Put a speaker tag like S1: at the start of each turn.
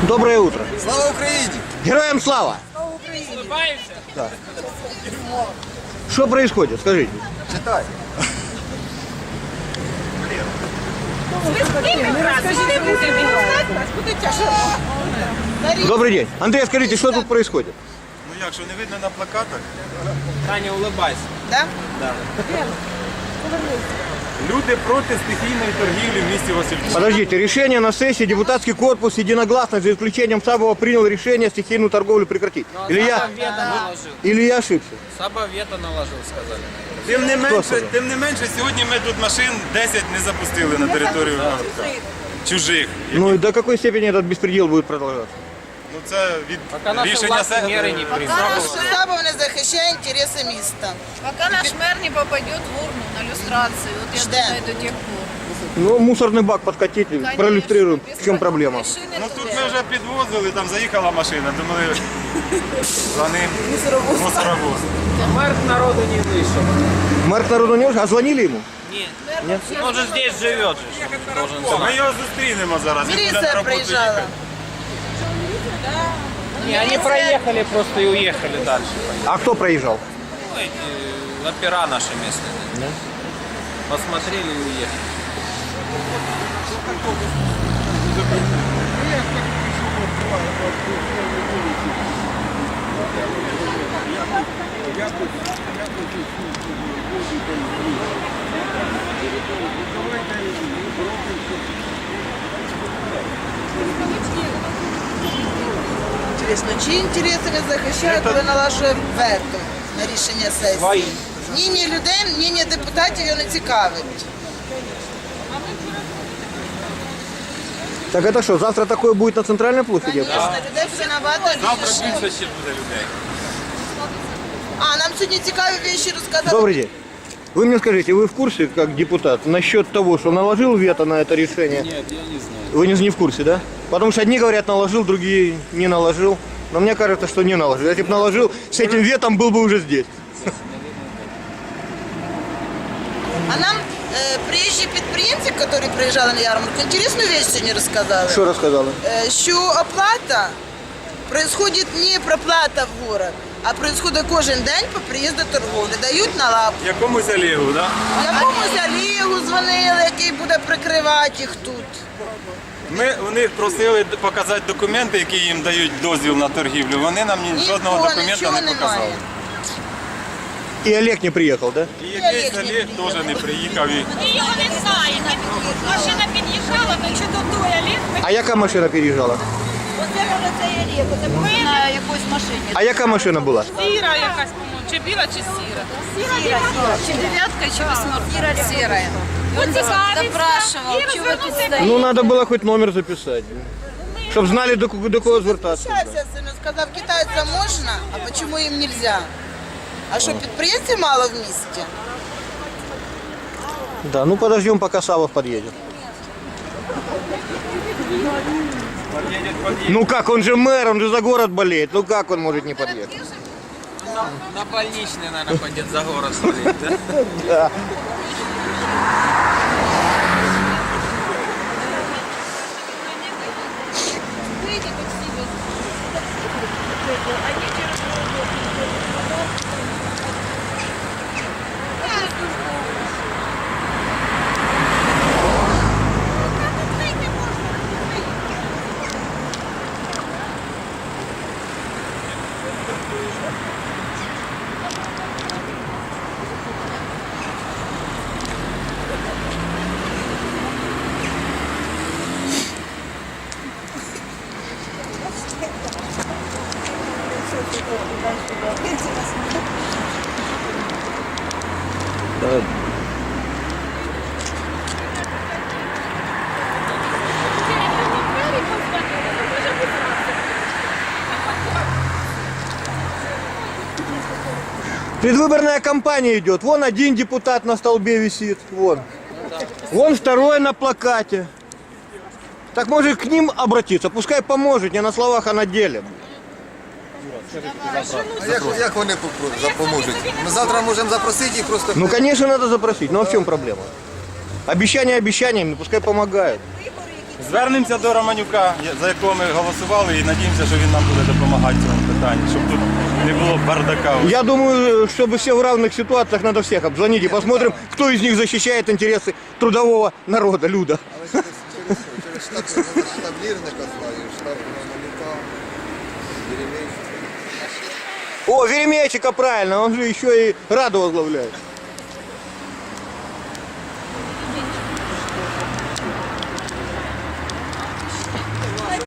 S1: Доброе утро.
S2: Слава Украине!
S1: Героям слава!
S3: Улыбаешься?
S1: Да. Что происходит? Скажите.
S2: Читай.
S1: Добрый день. Андрей, скажите, что тут происходит?
S2: Ну як, що не видно на плакатах?
S3: Таня, улыбайся.
S4: Да?
S2: Люди проти стихійної торгівлі в місті Васильківську.
S1: Подождите, решение на сессии депутатский корпус единогласно, за исключением Сабова, принял решение стихийную торговлю прекратить.
S3: Саба вето наложил.
S1: Или я ошибся?
S3: Саба вето наложил, сказали.
S2: Тим не менше, сьогодні ми тут машин 10 не запустили на територію Городка. Чужих.
S1: Ну и до какой степени этот беспредел будет продолжаться?
S2: Ну це від
S3: Пока наши
S2: рішення
S3: власти меры не примут.
S4: Сабов не захищає інтереси міста.
S5: Пока наш мэр не попадет в урну на люстрацию, вот я
S4: Ждем.
S5: думаю, до тех пор.
S1: Ну, мусорный бак подкатить,
S5: Конечно,
S1: проиллюстрируем,
S5: без
S1: в чем проблема.
S5: машины
S2: Ну тут
S5: туда.
S2: ми вже підвозили, там заїхала машина, думали за ним мусоровоз.
S3: Мэр к народу не вышел.
S1: Мэр народу не уже, а звонили ему?
S3: Нет. Он же здесь живет. Должен
S2: Ми
S3: знать.
S2: його зустрінемо зараз. він буде на
S4: Міліція
S2: роботу
S4: приїжджала.
S2: їхати.
S3: Не, они проехали просто и уехали дальше.
S1: А кто проезжал?
S3: Ну, эти опера наши местные. Посмотрели и уехали.
S4: Інтересно, чиї інтереси він захищає, коли налажує вето на рішення сесії?
S3: Свої.
S4: Ні людей, ні депутатів його не цікавить.
S1: Так это что, завтра такое будет на центральной площади?
S4: Звісно, людей все набагато
S2: Завтра
S4: більше.
S2: більше ще буде людей.
S4: А, нам сьогодні цікаві речі розказали.
S1: Добрый день. Вы мне скажите, вы в курсе, как депутат, насчет того, что наложил вето на это решение?
S3: Нет, я не знаю.
S1: Вы не в курсе, да? Потому что одни говорят наложил, другие не наложил. Но мне кажется, что не наложил. Если бы наложил, с этим ветом был бы уже здесь.
S4: А нам приїжджі підприємці, які приїжджали на ярмарку, інтересну річ сьогодні розказали.
S1: Что рассказала?
S4: Що оплата происходит не проплата в город, а происходит кожен день по приїзду торговлі. Дають на лапу.
S2: Якомусь Олегу, так?
S4: Якомусь Олегу дзвонили, який буде прикривати їх тут.
S2: Ми у них просили показати документи, які їм дають дозвіл на торгівлю. Вони нам жодного
S4: Нікого,
S2: документа
S4: нічого
S2: не показали.
S4: немає.
S1: И Олег не приехал, да?
S2: І якийсь Олег теж не приїхав. І...
S6: Його не знає. Машина під'їжджала, ну чи до той Олег.
S1: А яка машина переезжала?
S5: Оце може це і рік, оце був на якоїсь машині.
S1: А яка машина була?
S6: Сіра якась, по-моєму, чи біла, чи сіра.
S5: Сіра. Чи дев'ятка, чи восьмерка. Сіра. Він запрашував, чи ви тут стоїте.
S1: Ну, надо было хоть номер записать. Чтоб знали, до кого звертаться.
S4: Щастя, сину сказав, китайцям можна, а чому їм не можна? А що, підприємців мало в місті?
S1: Да, ну подождем, пока Савов подъедет. Ну как, он же мэр, он же за город болеет. Ну как он может не подъехать?
S3: На больничный, наверное, пойдет за город смотреть, да?
S1: Да. Предвыборная кампания идет. Вон один депутат на столбе висит. Вон. Вон второй на плакате. Так может к ним обратиться. Пускай поможет. Не на словах, а на деле.
S2: А як вони допоможуть? Ми завтра можемо запросити їх просто.
S1: Ну, конечно, надо запросить. Ну, а в чем проблема? Обещания обещаниями, пускай помогают.
S5: Вибори,
S2: Звернемося до Романюка, за якого ми голосували, і надіємося, що він нам буде допомагати в цьому питанні, щоб тут не було бардака.
S1: Я думаю, чтобы все в равных ситуациях, надо всех обзвонить и посмотрим, кто из них защищает интересы трудового народа, люда.
S7: Через штаб-лірника знаю, штаб Романюка, Веремейчика.
S1: О, Веремейчика, правильно, он же еще и Раду возглавляет.